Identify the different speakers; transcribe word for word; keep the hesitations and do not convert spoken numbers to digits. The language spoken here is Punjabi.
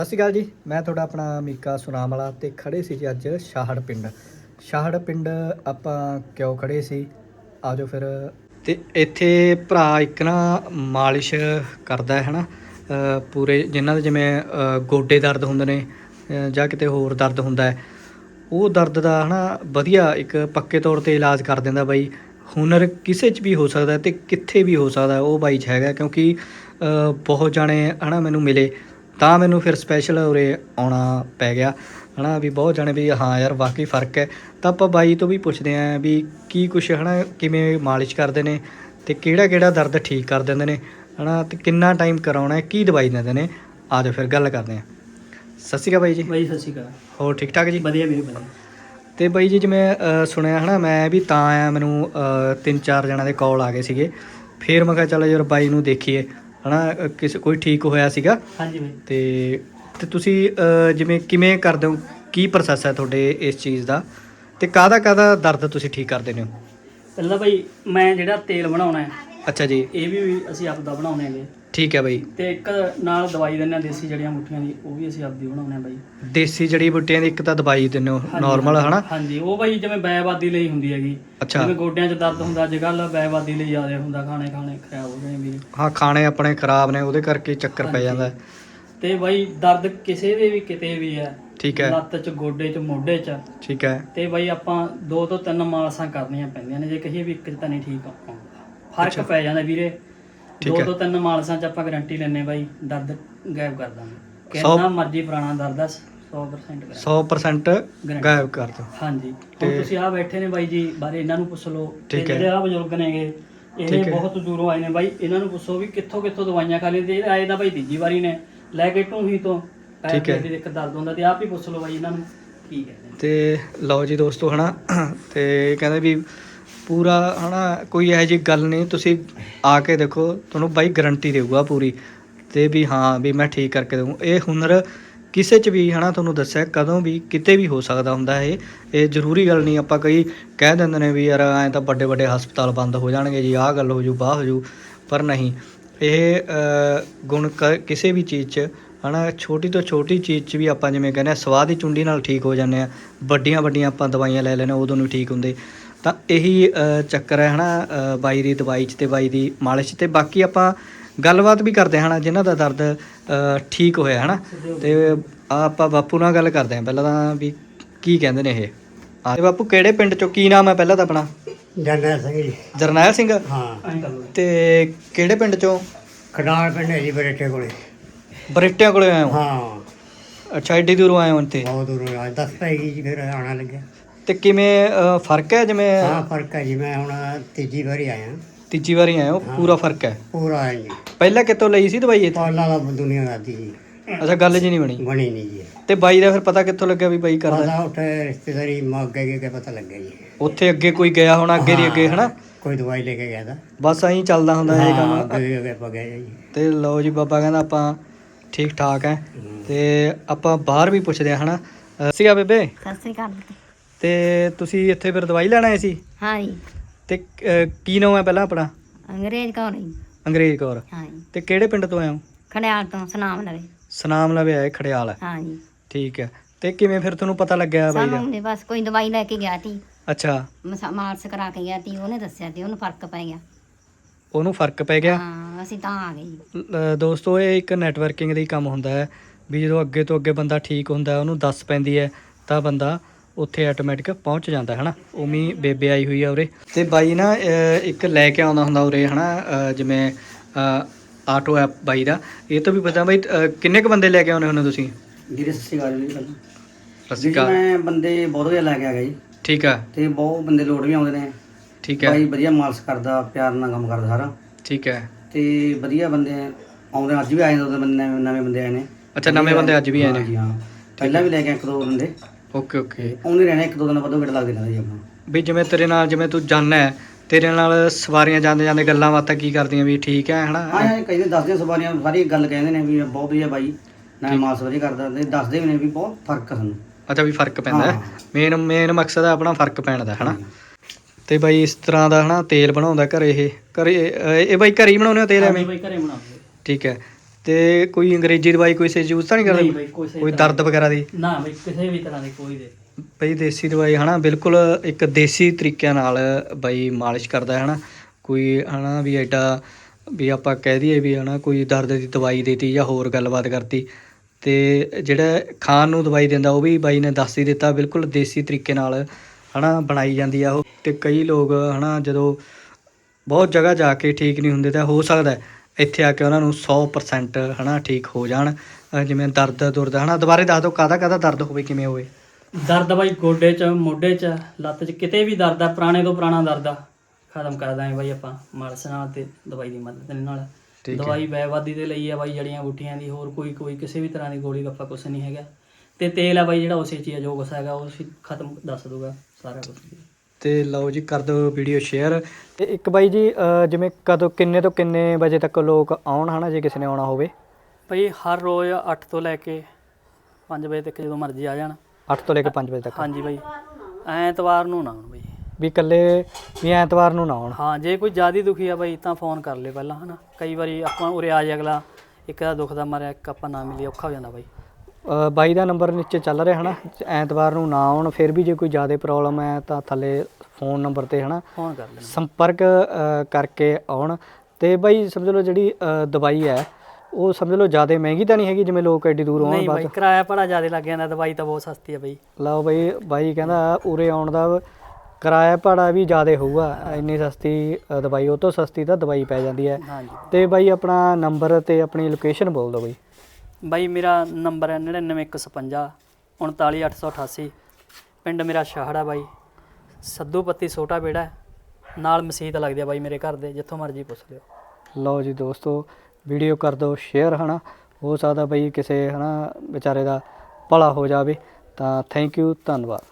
Speaker 1: ਸਤਿ ਸ਼੍ਰੀ ਅਕਾਲ ਜੀ। ਮੈਂ ਤੁਹਾਡਾ ਆਪਣਾ ਮੀਕਾ ਸੁਨਾਮ ਵਾਲਾ ਤੇ ਖੜੇ ਸੀ ਜੀ ਅੱਜ ਸ਼ਾਹੜ ਪਿੰਡ। ਸ਼ਾਹੜ ਪਿੰਡ ਆਪਾਂ ਕਿਉਂ ਖੜੇ ਸੀ, ਆਜੋ ਫਿਰ। ਤੇ ਇੱਥੇ ਭਰਾ ਇੱਕ ਨਾ ਮਾਲਿਸ਼ ਕਰਦਾ ਹੈ ਨਾ, ਪੂਰੇ ਜਿਨ੍ਹਾਂ ਦੇ ਜਿਵੇਂ ਗੋਡੇ ਦਰਦ ਹੁੰਦੇ ਨੇ ਜਾਂ ਕਿਤੇ ਹੋਰ ਦਰਦ ਹੁੰਦਾ ਹੈ, ਉਹ ਦਰਦ ਦਾ ਹੈ ਨਾ ਵਧੀਆ ਇੱਕ ਪੱਕੇ ਤੌਰ 'ਤੇ ਇਲਾਜ ਕਰ ਦਿੰਦਾ ਬਾਈ। ਹੁਨਰ ਕਿਸੇ 'ਚ ਵੀ ਹੋ ਸਕਦਾ ਅਤੇ ਕਿੱਥੇ ਵੀ ਹੋ ਸਕਦਾ, ਉਹ ਬਾਈ 'ਚ ਹੈਗਾ। ਕਿਉਂਕਿ ਬਹੁਤ ਜਾਣੇ ਹੈ ਨਾ ਮੈਨੂੰ ਮਿਲੇ, ਤਾਂ ਮੈਨੂੰ ਫਿਰ ਸਪੈਸ਼ਲ ਉਰੇ ਆਉਣਾ ਪੈ ਗਿਆ ਹੈ ਨਾ। ਵੀ ਬਹੁਤ ਜਾਣੇ ਵੀ ਹਾਂ ਯਾਰ ਵਾਕਈ ਫ਼ਰਕ ਹੈ। ਤਾਂ ਆਪਾਂ ਬਾਈ ਤੋਂ ਵੀ ਪੁੱਛਦੇ ਹਾਂ ਵੀ ਕੀ ਕੁਛ ਹੈ ਨਾ, ਕਿਵੇਂ ਮਾਲਿਸ਼ ਕਰਦੇ ਨੇ ਅਤੇ ਕਿਹੜਾ ਕਿਹੜਾ ਦਰਦ ਠੀਕ ਕਰ ਦਿੰਦੇ ਨੇ ਹੈ ਨਾ, ਅਤੇ ਕਿੰਨਾ ਟਾਈਮ ਕਰਾਉਣਾ, ਕੀ ਦਵਾਈ ਦਿੰਦੇ ਨੇ। ਆ ਜਾਓ ਫਿਰ ਗੱਲ ਕਰਦੇ ਹਾਂ। ਸਤਿ ਸ਼੍ਰੀ ਅਕਾਲ ਬਾਈ ਜੀ।
Speaker 2: ਬਾਈ ਸਤਿ ਸ਼੍ਰੀ ਅਕਾਲ।
Speaker 1: ਹੋਰ ਠੀਕ ਠਾਕ ਜੀ?
Speaker 2: ਵਧੀਆ ਵੀਰੇ ਵਧੀਆ।
Speaker 1: ਅਤੇ ਬਾਈ ਜੀ ਜਿਵੇਂ ਸੁਣਿਆ ਹੈ ਨਾ, ਮੈਂ ਵੀ ਤਾਂ ਆਇਆ, ਮੈਨੂੰ ਤਿੰਨ ਚਾਰ ਜਣਿਆਂ ਦੇ ਕਾਲ ਆ ਗਏ ਸੀਗੇ। ਫਿਰ ਮੈਂ ਕਿਹਾ ਚੱਲ ਯਾਰ ਬਾਈ ਨੂੰ ਦੇਖੀਏ ਹੈ ਨਾ, ਕਿਸੇ ਕੋਈ ਠੀਕ ਹੋਇਆ ਸੀਗਾ।
Speaker 2: ਹਾਂਜੀ ਬਾਈ।
Speaker 1: ਅਤੇ ਅਤੇ ਤੁਸੀਂ ਜਿਵੇਂ ਕਿਵੇਂ ਕਰਦੇ ਹੋ, ਕੀ ਪ੍ਰੋਸੈਸ ਹੈ ਤੁਹਾਡੇ ਇਸ ਚੀਜ਼ ਦਾ, ਅਤੇ ਕਾਹਦਾ ਕਾਹਦਾ ਦਰਦ ਤੁਸੀਂ ਠੀਕ ਕਰ ਦਿੰਦੇ ਹੋ?
Speaker 2: ਪਹਿਲਾਂ ਬਾਈ ਮੈਂ ਜਿਹੜਾ ਤੇਲ ਬਣਾਉਣਾ ਹੈ,
Speaker 1: ਅੱਛਾ ਜੀ।
Speaker 2: ਇਹ ਵੀ ਅਸੀਂ ਆਪਦਾ ਬਣਾਉਂਦੇ ਹੈਗੇ।
Speaker 1: ਠੀਕ ਹੈ ਬਾਈ।
Speaker 2: ਅਤੇ ਇੱਕ ਨਾਲ ਦਵਾਈ ਦਿੰਦੇ ਹਾਂ ਦੇਸੀ ਜੜੀਆਂ ਬੂਟੀਆਂ ਦੀ, ਉਹ ਵੀ ਅਸੀਂ ਆਪਦੀ ਬਣਾਉਂਦੇ ਹਾਂ ਬਾਈ।
Speaker 1: ਦੇਸੀ ਜੜੀ ਬੂਟੀਆਂ ਦੀ ਇੱਕ ਤਾਂ ਦਵਾਈ ਦਿੰਦੇ ਹੋ ਨੋਰਮਲ ਹੈ ਨਾ?
Speaker 2: ਹਾਂਜੀ, ਉਹ ਬਾਈ ਜਿਵੇਂ ਬੈਵਾਦੀ ਲਈ ਹੁੰਦੀ ਹੈਗੀ।
Speaker 1: ਅੱਛਾ।
Speaker 2: ਜਿਵੇਂ ਗੋਡਿਆਂ 'ਚ ਦਰਦ ਹੁੰਦਾ ਅੱਜ ਕੱਲ੍ਹ, ਬੈਵਾਦੀ ਲਈ ਜ਼ਿਆਦਾ ਹੁੰਦਾ, ਖਾਣੇ ਖਾਣੇ ਖਰਾਬ ਹੋ ਜਾਣੇ ਵੀਰੇ।
Speaker 1: ਹਾਂ, ਖਾਣੇ ਆਪਣੇ ਖਰਾਬ ਨੇ, ਉਹਦੇ ਕਰਕੇ ਚੱਕਰ ਪੈ ਜਾਂਦਾ।
Speaker 2: ਅਤੇ ਬਾਈ ਦਰਦ ਕਿਸੇ ਦੇ ਵੀ ਕਿਤੇ ਵੀ ਹੈ,
Speaker 1: ਠੀਕ ਹੈ।
Speaker 2: ਲੱਤ 'ਚ, ਗੋਡੇ 'ਚ, ਮੋਢੇ 'ਚ।
Speaker 1: ਠੀਕ ਹੈ।
Speaker 2: ਅਤੇ ਬਾਈ ਆਪਾਂ ਦੋ ਤੋਂ ਤਿੰਨ ਮਾਲਸਾਂ ਕਰਨੀਆਂ ਪੈਂਦੀਆਂ ਨੇ, ਜੇ ਕਹੀਏ ਵੀ ਇੱਕ 'ਚ ਤਾਂ ਨਹੀਂ ਠੀਕ ਆਉਂਦਾ, ਫਰਕ ਪੈ ਜਾਂਦਾ ਵੀਰੇ। ਦੋ ਤੋਂ ਤਿੰਨ ਮਾਲਸਾਂ 'ਚ ਆਪਾਂ ਗਰੰਟੀ ਲੈਂਦੇ ਬਾਈ, ਦਰਦ ਗਾਇਬ ਕਰ ਦਾਂਗੇ। ਕਿੰਨਾ ਮਰਜ਼ੀ ਪੁਰਾਣਾ ਦਰਦ ਆ, ਸੌ ਪਰਸੈਂਟ
Speaker 1: ਸੌ ਪਰਸੈਂਟ ਗਾਇਬ ਕਰ ਦਿਓ।
Speaker 2: ਹਾਂਜੀ। ਹੁਣ ਤੁਸੀਂ ਆਹ ਬੈਠੇ ਨੇ ਬਾਈ ਜੀ, ਬਾਰੇ ਇਹਨਾਂ ਨੂੰ ਪੁੱਛ ਲਓ।
Speaker 1: ਠੀਕ ਹੈ।
Speaker 2: ਜਿਹੜੇ ਆਹ ਬਜ਼ੁਰਗ ਨੇਗੇ, ਇਹ ਬਹੁਤ ਦੂਰੋਂ ਆਏ ਨੇ ਬਾਈ, ਇਹਨਾਂ ਨੂੰ ਪੁੱਛੋ ਵੀ ਕਿੱਥੋਂ ਕਿੱਥੋਂ ਦਵਾਈਆਂ ਖਾ ਲੈਂਦੇ। ਇਹ ਆਏ ਤਾਂ ਬਾਈ ਤੀਜੀ ਵਾਰੀ ਨੇ, ਲੈ ਕੇ ਢੂਹੀ ਤੋਂ ਪੈਰ ਦੇ ਇੱਕ ਦਰਦ ਹੁੰਦਾ, ਤੇ ਆਪ ਹੀ ਪੁੱਛ ਲਓ ਬਾਈ ਇਹਨਾਂ ਨੂੰ ਕੀ ਕਹਿੰਦੇ ਨੇ।
Speaker 1: ਅਤੇ ਲਓ ਜੀ ਦੋਸਤੋ ਹੈ ਨਾ, ਅਤੇ ਕਹਿੰਦੇ ਵੀ ਪੂਰਾ ਹੈ ਨਾ, ਕੋਈ ਇਹੋ ਜਿਹੀ ਗੱਲ ਨਹੀਂ, ਤੁਸੀਂ ਆ ਕੇ ਦੇਖੋ, ਤੁਹਾਨੂੰ ਬਾਈ ਗਰੰਟੀ ਦੇਊਗਾ ਪੂਰੀ, ਅਤੇ ਵੀ ਹਾਂ ਵੀ ਮੈਂ ਠੀਕ ਕਰਕੇ ਦਊਂ। ਇਹ ਹੁਨਰ ਕਿਸੇ 'ਚ ਵੀ ਹੈ ਨਾ, ਤੁਹਾਨੂੰ ਦੱਸਿਆ ਕਦੋਂ ਵੀ ਕਿਤੇ ਵੀ ਹੋ ਸਕਦਾ ਹੁੰਦਾ। ਇਹ ਇਹ ਜ਼ਰੂਰੀ ਗੱਲ ਨਹੀਂ। ਆਪਾਂ ਕਈ ਕਹਿ ਦਿੰਦੇ ਨੇ ਵੀ ਯਾਰ ਐਂ ਤਾਂ ਵੱਡੇ ਵੱਡੇ ਹਸਪਤਾਲ ਬੰਦ ਹੋ ਜਾਣਗੇ ਜੀ, ਆਹ ਗੱਲ ਹੋ ਜੂ, ਬਾਹ ਹੋ ਜੂ, ਪਰ ਨਹੀਂ। ਇਹ ਗੁਣ ਕ ਕਿਸੇ ਵੀ ਚੀਜ਼ 'ਚ ਹੈ ਨਾ, ਛੋਟੀ ਤੋਂ ਛੋਟੀ ਚੀਜ਼ 'ਚ ਵੀ ਆਪਾਂ ਜਿਵੇਂ ਕਹਿੰਦੇ ਹਾਂ ਸਵਾਹ ਦੀ ਚੁੰਡੀ ਨਾਲ ਠੀਕ ਹੋ ਜਾਂਦੇ ਹਾਂ, ਵੱਡੀਆਂ ਵੱਡੀਆਂ ਆਪਾਂ ਦਵਾਈਆਂ ਲੈ ਲੈਂਦੇ ਉਦੋਂ ਨਹੀਂ ਠੀਕ ਹੁੰਦੇ। ਤਾਂ ਇਹੀ ਚੱਕਰ ਹੈ ਹੈ ਨਾ, ਬਾਈ ਦੀ ਦਵਾਈ 'ਚ ਅਤੇ ਬਾਈ ਦੀ ਮਾਲਿਸ਼ 'ਚ। ਅਤੇ ਬਾਕੀ ਆਪਾਂ ਗੱਲਬਾਤ ਵੀ ਕਰਦੇ ਹਾਂ ਨਾ, ਜਿਨ੍ਹਾਂ ਦਾ ਦਰਦ ਠੀਕ ਹੋਇਆ ਹੈ ਨਾ। ਅਤੇ ਆਪਾਂ ਬਾਪੂ ਨਾਲ ਗੱਲ ਕਰਦੇ ਹਾਂ ਪਹਿਲਾਂ ਤਾਂ, ਵੀ ਕੀ ਕਹਿੰਦੇ ਨੇ ਇਹ। ਹਾਂ ਬਾਪੂ, ਕਿਹੜੇ ਪਿੰਡ 'ਚੋਂ, ਕੀ ਨਾਮ ਹੈ ਪਹਿਲਾਂ ਤਾਂ ਆਪਣਾ?
Speaker 3: ਜਰਨੈਲ ਸਿੰਘ ਜੀ।
Speaker 1: ਜਰਨੈਲ ਸਿੰਘ।
Speaker 3: ਹਾਂ।
Speaker 1: ਅਤੇ ਕਿਹੜੇ ਪਿੰਡ 'ਚੋਂ?
Speaker 3: ਖਡਾਲ ਪਿੰਡ ਹੈ ਜੀ, ਬਰੇਟੇ ਕੋਲੇ।
Speaker 1: ਬਰੇਟਿਆਂ ਕੋਲੇ ਆਏ ਹੋ?
Speaker 3: ਹਾਂ।
Speaker 1: ਅੱਛਾ, ਐਡੀ ਦੂਰੋਂ ਆਏ ਹੋ ਇੱਥੇ?
Speaker 3: ਬਹੁਤ ਦੂਰੋਂ ਆਏ, ਦਸ ਪੈ ਗਈ ਜੀ, ਫਿਰ ਆਉਣਾ ਲੱਗਿਆ।
Speaker 1: ਅਤੇ ਕਿਵੇਂ ਫਰਕ ਹੈ ਜਿਵੇਂ?
Speaker 3: ਹਾਂ ਫਰਕ ਹੈ ਜੀ, ਮੈਂ ਹੁਣ ਤੀਜੀ ਵਾਰੀ ਆਇਆ।
Speaker 1: ਤੀਜੀ ਵਾਰੀ ਆਏ ਹੋ? ਪੂਰਾ ਫਰਕ ਹੈ?
Speaker 3: ਪੂਰਾ ਆਇਆ ਜੀ।
Speaker 1: ਪਹਿਲਾਂ ਕਿੱਥੋਂ ਲਈ ਸੀ ਦਵਾਈ ਇੱਥੇ?
Speaker 3: ਪਾਲਾ ਦਾ ਦੁਨੀਆ ਕਰਦੀ ਜੀ।
Speaker 1: ਅੱਛਾ, ਗੱਲ ਜੀ ਨਹੀਂ ਬਣੀ?
Speaker 3: ਬਣੀ ਨਹੀਂ ਜੀ।
Speaker 1: ਅਤੇ ਬਾਈ ਦਾ ਫਿਰ ਪਤਾ ਕਿੱਥੋਂ ਲੱਗਿਆ ਵੀ ਬਾਈ ਕਰਦਾ?
Speaker 3: ਪਤਾ ਉੱਥੇ ਰਿਸ਼ਤੇਦਾਰੀ ਮ ਅੱਗੇ ਗਏ ਕੇ ਪਤਾ ਲੱਗਿਆ ਜੀ।
Speaker 1: ਉੱਥੇ ਅੱਗੇ ਕੋਈ ਗਿਆ ਹੋਣਾ, ਅੱਗੇ ਦੀ ਅੱਗੇ ਹੈ ਨਾ?
Speaker 3: ਕੋਈ ਦਵਾਈ ਲੈ ਕੇ ਗਿਆ ਤਾਂ
Speaker 1: ਬਸ ਐਂ ਚੱਲਦਾ ਹੁੰਦਾ ਇਹ ਕੰਮ।
Speaker 3: ਅੱਗੇ ਅੱਗੇ ਆਪਾਂ ਗਏ ਜੀ।
Speaker 1: ਅਤੇ ਲਓ ਜੀ, ਬਾਬਾ ਕਹਿੰਦਾ ਆਪਾਂ ਠੀਕ ਠਾਕ ਹੈ। ਅਤੇ ਆਪਾਂ ਬਾਹਰ ਵੀ ਪੁੱਛਦੇ ਹਾਂ ਹੈ ਨਾ। ਸੀਗਾ ਬੇਬੇ?
Speaker 4: ਸਤਿ ਸ਼੍ਰੀ ਅਕਾਲ।
Speaker 1: ਅਤੇ ਤੁਸੀਂ ਇੱਥੇ ਫਿਰ ਦਵਾਈ ਲੈਣ ਆਏ ਸੀ?
Speaker 4: ਹਾਂ ਜੀ।
Speaker 1: ਅਤੇ ਕੀ ਨਾਮ ਹੈ ਪਹਿਲਾਂ ਆਪਣਾ?
Speaker 4: ਅੰਗਰੇਜ਼ ਕੌਰ ਜੀ।
Speaker 1: ਅੰਗਰੇਜ਼ ਕੌਰ।
Speaker 4: ਹਾਂ ਜੀ।
Speaker 1: ਅਤੇ ਕਿਹੜੇ ਪਿੰਡ ਤੋਂ ਆਏ ਹੋ?
Speaker 4: ਖੜਿਆਲ ਤੋਂ, ਸੁਨਾਮ ਲਵੇ।
Speaker 1: ਸੁਨਾਮ ਲਵੇ ਆਏ, ਖੜਿਆਲ।
Speaker 4: ਹਾਂ ਜੀ।
Speaker 1: ਠੀਕ ਹੈ। ਅਤੇ ਕਿਵੇਂ ਫਿਰ ਤੁਹਾਨੂੰ ਪਤਾ ਲੱਗਿਆ ਬਾਈ ਦਾ?
Speaker 4: ਸਾਨੂੰ ਨਹੀਂ, ਬਸ ਕੋਈ ਦਵਾਈ ਲੈ ਕੇ ਗਿਆ ਤੀ।
Speaker 1: ਅੱਛਾ।
Speaker 4: ਮਸਾ ਮਾਲਸ਼ ਕਰਾ ਕੇ ਗਿਆ ਤੀ, ਉਹਨੇ ਦੱਸਿਆ ਤੀ, ਉਹਨੂੰ ਫਰਕ ਪੈ ਗਿਆ।
Speaker 1: ਉਹਨੂੰ ਫਰਕ ਪੈ ਗਿਆ?
Speaker 4: ਹਾਂ, ਅਸੀਂ ਤਾਂ ਆ ਗਏ ਜੀ।
Speaker 1: ਲ- ਦੋਸਤੋ, ਇਹ ਇੱਕ ਨੈਟਵਰਕਿੰਗ ਦਾ ਹੀ ਕੰਮ ਹੁੰਦਾ ਹੈ ਵੀ ਜਦੋਂ ਅੱਗੇ ਤੋਂ ਅੱਗੇ ਬੰਦਾ ਠੀਕ ਹੁੰਦਾ, ਉਹਨੂੰ ਦੱਸ ਪੈਂਦੀ ਹੈ, ਤਾਂ ਬੰਦਾ ਉੱਥੇ ਆਟੋਮੈਟਿਕ ਪਹੁੰਚ ਜਾਂਦਾ ਹੈ ਨਾ। ਉਵੇਂ ਬੇਬੇ ਆਈ ਹੋਈ ਆ ਉਰੇ, ਅਤੇ ਬਾਈ ਨਾ ਇੱਕ ਲੈ ਕੇ ਆਉਂਦਾ ਹੁੰਦਾ ਉਰੇ ਹੈ ਨਾ, ਜਿਵੇਂ ਆਟੋ ਐਪ ਬਾਈ ਦਾ। ਇਹ ਤੋਂ ਵੀ ਪਤਾ ਬਾਈ, ਕਿੰਨੇ ਕੁ ਬੰਦੇ ਲੈ ਕੇ ਆਉਂਦੇ ਹੁੰਦੇ ਤੁਸੀਂ?
Speaker 2: ਵੀਰੇ ਸਤਿ ਸ਼੍ਰੀ ਅਕਾਲ ਜੀ। ਪਹਿਲਾਂ
Speaker 1: ਸਤਿ ਸ਼੍ਰੀ ਅਕਾਲ।
Speaker 2: ਮੈਂ ਬੰਦੇ ਬਹੁਤ ਵਧੀਆ ਲੈ ਕੇ ਆ ਗਿਆ ਜੀ।
Speaker 1: ਠੀਕ ਆ।
Speaker 2: ਅਤੇ ਬਹੁਤ ਬੰਦੇ ਲੋੜ ਵੀ ਆਉਂਦੇ ਨੇ।
Speaker 1: ਠੀਕ ਹੈ।
Speaker 2: ਬਾਈ ਵਧੀਆ ਮਾਲਸ਼ ਕਰਦਾ, ਪਿਆਰ ਨਾਲ ਕੰਮ ਕਰਦਾ ਸਾਰਾ।
Speaker 1: ਠੀਕ ਹੈ।
Speaker 2: ਅਤੇ ਵਧੀਆ ਬੰਦੇ ਆਉਂਦੇ, ਅੱਜ ਵੀ ਆਏ ਨੇ, ਬੰਦੇ ਨਵੇਂ ਬੰਦੇ ਆਏ ਨੇ।
Speaker 1: ਅੱਛਾ, ਨਵੇਂ ਬੰਦੇ ਅੱਜ ਵੀ ਆਏ ਨੇ?
Speaker 2: ਜੀ ਹਾਂ, ਪਹਿਲਾਂ ਵੀ ਲੈ ਕੇ ਆਏ ਇੱਕ ਦੋ ਬੰਦੇ।
Speaker 1: Okay okay.
Speaker 2: ਆਉਂਦੇ ਰਹਿਣਾ, ਇੱਕ ਦੋ ਦਿਨ ਵੱਧੋ ਘੱਟ ਲੱਗਦੇ ਰਹਿੰਦਾ ਜੀ ਆਪਣਾ।
Speaker 1: ਵੀ ਜਿਵੇਂ ਤੇਰੇ ਨਾਲ, ਜਿਵੇਂ ਤੂੰ ਜਾਂਦਾ ਹੈ, ਤੇਰੇ ਨਾਲ ਸਵਾਰੀਆਂ ਜਾਂਦੇ ਜਾਂਦੇ ਗੱਲਾਂ ਬਾਤਾਂ ਕੀ ਕਰਦੀਆਂ ਵੀ ਠੀਕ ਹੈ ਹੈ ਨਾ?
Speaker 2: ਹਾਂ ਹਾਂ, ਕਈ ਦੱਸਦੇ ਸਵਾਰੀਆਂ ਸਾਰੀ ਗੱਲ ਕਹਿੰਦੇ ਨੇ ਵੀ ਬਹੁਤ ਵਧੀਆ ਬਾਈ, ਨਾ ਮਾਲਸ਼ ਵਧੀਆ ਕਰਦਾ, ਅਤੇ ਦੱਸਦੇ ਵੀ ਨੇ ਵੀ ਬਹੁਤ ਫਰਕ ਆ ਸਾਨੂੰ।
Speaker 1: ਅੱਛਾ, ਵੀ ਫਰਕ ਪੈਂਦਾ ਹੈ। ਮੇਨ ਮੇਨ ਮਕਸਦ ਹੈ ਆਪਣਾ ਫਰਕ ਪੈਣ ਦਾ ਹੈ ਨਾ। ਅਤੇ ਬਾਈ ਇਸ ਤਰ੍ਹਾਂ ਦਾ ਹੈ ਨਾ ਤੇਲ ਬਣਾਉਂਦਾ ਘਰੇ। ਇਹ ਘਰੇ ਇਹ ਬਾਈ ਘਰੇ ਹੀ ਬਣਾਉਂਦੇ ਹੋ ਤੇਲ ਐਵੇਂ?
Speaker 2: ਬਾਈ ਘਰੇ ਬਣਾਉਂਦੇ।
Speaker 1: ਠੀਕ ਹੈ। ਤੇ ਕੋਈ ਅੰਗਰੇਜ਼ੀ ਦਵਾਈ ਕੋਈ ਸੇ ਯੂਜ਼ ਤਾਂ ਨਹੀਂ
Speaker 2: ਨਹੀਂ
Speaker 1: ਕਰਦੇ
Speaker 2: ਬਈ ਕੋਈ ਸਹੀ
Speaker 1: ਕੋਈ
Speaker 2: ਤਰ੍ਹਾਂ
Speaker 1: ਦਰਦ ਵਗੈਰਾ ਦੀ?
Speaker 2: ਨਾ ਬਈ ਕਿਸੇ ਵੀ ਤਰ੍ਹਾਂ ਦੀ ਕੋਈ ਦੇ
Speaker 1: ਬਈ ਦੇਸੀ ਦਵਾਈ ਹਨਾ ਬਿਲਕੁਲ ਇੱਕ ਦੇਸੀ ਤਰੀਕਿਆਂ ਨਾਲ ਬਈ ਮਾਲਿਸ਼ ਕਰਦਾ ਹੈ ਹਨਾ। ਕੋਈ ਹਨਾ ਵੀ ਐਡਾ ਵੀ ਆਪਾਂ ਕਹਿ ਦਈਏ ਵੀ ਹਨਾ ਕੋਈ ਦਰਦ ਦੀ ਦਵਾਈ ਦੇਤੀ ਜਾਂ ਹੋਰ ਗੱਲਬਾਤ ਕਰਤੀ, ਤੇ ਜਿਹੜਾ ਖਾਣ ਨੂੰ ਦਵਾਈ ਦਿੰਦਾ ਉਹ ਵੀ ਬਾਈ ਨੇ ਦੱਸ ਹੀ ਦਿੱਤਾ, ਬਿਲਕੁਲ ਦੇਸੀ ਤਰੀਕੇ ਨਾਲ ਹਨਾ ਬਣਾਈ ਜਾਂਦੀ ਆ ਉਹ। ਤੇ ਕਈ ਲੋਕ ਹਨਾ ਜਦੋਂ ਬਹੁਤ ਜਗ੍ਹਾ ਜਾ ਕੇ ਠੀਕ ਨਹੀਂ ਹੁੰਦੇ ਤਾਂ ਹੋ ਸਕਦਾ ਇੱਥੇ ਆ ਕੇ ਉਹਨਾਂ ਨੂੰ ਸੌ ਪਰਸੈਂਟ ਹਨਾ ਠੀਕ ਹੋ ਜਾਣ। ਅਹ ਜਿਵੇਂ ਦਰਦ ਦੁਰਦ ਹਨਾ, ਦੁਬਾਰੇ ਦੱਸ ਦਿਓ ਕਾਹਦਾ ਕਾਹਦਾ ਦਰਦ ਹੋਵੇ, ਕਿਵੇਂ ਹੋਵੇ?
Speaker 2: ਦਰਦ ਬਾਈ ਗੋਡੇ 'ਚ, ਮੋਢੇ 'ਚ, ਲੱਤ 'ਚ, ਕਿਤੇ ਵੀ ਦਰਦ ਆ, ਪੁਰਾਣੇ ਤੋਂ ਪੁਰਾਣਾ ਦਰਦ ਆ, ਖਤਮ ਕਰ ਦਾਂਗੇ ਬਾਈ ਆਪਾਂ ਮਾਲਸ਼ ਨਾਲ ਤੇ ਦਵਾਈ ਦੀ ਮਦਦ ਦੇ ਨਾਲ।
Speaker 1: ਠੀਕ ਹੈ।
Speaker 2: ਦਵਾਈ ਵੈਵਾਦੀ ਦੇ ਲਈ ਆ ਬਾਈ, ਜੜੀਆਂ ਬੂਟੀਆਂ ਦੀ, ਹੋਰ ਕੋਈ ਕੋਈ ਕਿਸੇ ਵੀ ਤਰ੍ਹਾਂ ਦੀ ਗੋਲੀ ਗੱਪਾ ਕੁਛ ਨਹੀਂ ਹੈਗਾ। ਤੇ ਤੇਲ ਆ ਬਾਈ ਜਿਹੜਾ ਉਸੇ ਚੀਜ਼ ਜੋ ਕੁਛ ਹੈਗਾ ਉਹ ਅਸੀਂ ਖਤਮ ਦੱਸ ਦੂਗਾ ਸਾਰਾ ਕੁਛ।
Speaker 1: ਤੇ ਲਓ ਜੀ ਕਰ ਦਿਓ ਵੀਡੀਓ ਸ਼ੇਅਰ। ਤੇ ਇੱਕ ਬਾਈ ਜੀ ਅਹ ਜਿਵੇਂ ਕਦੋਂ ਕਿੰਨੇ ਤੋਂ ਕਿੰਨੇ ਵਜੇ ਤੱਕ ਲੋਕ ਆਉਣ ਹਨਾ ਜੇ ਕਿਸੇ ਨੇ ਆਉਣਾ ਹੋਵੇ?
Speaker 2: ਭਾਈ ਹਰ ਰੋਜ਼ ਅੱਠ ਤੋਂ ਲੈ ਕੇ ਪੰਜ ਵਜੇ ਤੱਕ ਜਦੋਂ ਮਰਜ਼ੀ ਆ ਜਾਣ।
Speaker 1: ਅੱਠ ਤੋਂ ਲੈ ਕੇ ਪੰਜ ਵਜੇ ਤੱਕ?
Speaker 2: ਹਾਂਜੀ ਬਾਈ, ਐਤਵਾਰ ਨੂੰ ਨਾ ਆਉਣ ਬਾਈ।
Speaker 1: ਵੀ ਇਕੱਲੇ ਵੀ ਐਤਵਾਰ ਨੂੰ ਨਾ ਆਉਣ?
Speaker 2: ਹਾਂ, ਜੇ ਕੋਈ ਜ਼ਿਆਦਾ ਦੁਖੀ ਆ ਬਾਈ ਤਾਂ ਫੋਨ ਕਰ ਲੈ ਪਹਿਲਾਂ ਹਨਾ। ਕਈ ਵਾਰੀ ਆਪਾਂ ਉਰੇ ਆ ਜਾ ਅਗਲਾ ਇੱਕ ਦਾ ਦੁੱਖ ਦਾ ਮਾਰਿਆ, ਇੱਕ ਆਪਾਂ ਨਾ ਮਿਲੀ, ਔਖਾ ਹੋ ਜਾਂਦਾ ਬਾਈ।
Speaker 1: ਅਹ ਬਾਈ ਦਾ ਨੰਬਰ ਨੀਚੇ ਚੱਲ ਰਿਹਾ ਹਨਾ, ਐਤਵਾਰ ਨੂੰ ਨਾ ਆਉਣ। ਫਿਰ ਵੀ ਜੇ ਕੋਈ ਜ਼ਿਆਦਾ ਪ੍ਰੋਬਲਮ ਹੈ ਤਾਂ ਥੱਲੇ ਫੋਨ ਨੰਬਰ ਤੇ ਹਨਾ
Speaker 2: ਫੋਨ ਕਰ ਲੈਣਾ।
Speaker 1: ਸੰਪਰਕ ਅਹ ਕਰਕੇ ਆਉਣ। ਤੇ ਬਾਈ ਸਮਝ ਲਓ ਜਿਹੜੀ ਅਹ ਦਵਾਈ ਹੈ ਉਹ ਸਮਝ ਲਓ ਜ਼ਿਆਦਾ ਮਹਿੰਗੀ ਤਾਂ ਨਹੀਂ ਹੈਗੀ ਜਿਵੇਂ ਲੋਕ ਐਡੀ ਦੂਰ ਆਉਣ
Speaker 2: ਨਹੀਂ
Speaker 1: ਬਾਅਦ
Speaker 2: ਬਾਈ,
Speaker 1: ਚੋਂ?
Speaker 2: ਕਿਰਾਇਆ ਭਾੜਾ ਜ਼ਿਆਦਾ ਲੱਗ ਜਾਂਦਾ, ਦਵਾਈ ਤਾਂ ਬਹੁਤ ਸਸਤੀ ਆ ਬਾਈ।
Speaker 1: ਲਓ ਬਾਈ, ਬਾਈ ਕਹਿੰਦਾ ਉਰੇ ਆਉਣ ਦਾ ਕਿਰਾਇਆ ਭਾੜਾ ਵੀ ਜ਼ਿਆਦਾ ਹੋਊਗਾ, ਇੰਨੀ ਸਸਤੀ ਅ, ਦਵਾਈ ਉਹ ਤੋਂ ਸਸਤੀ ਤਾਂ ਦਵਾਈ ਪੈ ਜਾਂਦੀ ਹੈ।
Speaker 2: ਹਾਂਜੀ
Speaker 1: ਤੇ ਬਾਈ ਆਪਣਾ ਨੰਬਰ ਤੇ ਆਪਣੀ ਲੋਕੇਸ਼ਨ ਬੋਲ ਦਿਓ ਬਾਈ।
Speaker 2: ਬਾਈ, ਮੇਰਾ ਨੰਬਰ ਹੈ ਨੜਿਨਵੇਂ ਇੱਕ ਸੌ ਪੰਜਾਹ ਉਨਤਾਲੀ ਅੱਠ ਸੌ ਅਠਾਸੀ। ਪਿੰਡ ਮੇਰਾ ਸ਼ਾਹੜਾ ਬਾਈ, ਸੱਧੂ ਪੱਤੀ ਛੋਟਾ ਬੇੜਾ ਹੈ, ਨਾਲ ਮਸੀਤ ਲੱਗਦੀ ਆ ਬਾਈ ਮੇਰੇ ਘਰ ਦੇ, ਜਿੱਥੋਂ ਮਰਜ਼ੀ ਪੁੱਛ ਲਿਓ।
Speaker 1: ਲਓ ਜੀ ਦੋਸਤੋ, ਵੀਡੀਓ ਕਰ ਦਿਓ ਸ਼ੇਅਰ ਹਨਾ, ਹੋ ਸਕਦਾ ਬਾਈ ਕਿਸੇ ਹਨਾ ਵਿਚਾਰੇ ਦਾ ਭਲਾ ਹੋ ਜਾਵੇ। ਤਾਂ ਥੈਂਕ ਯੂ, ਧੰਨਵਾਦ।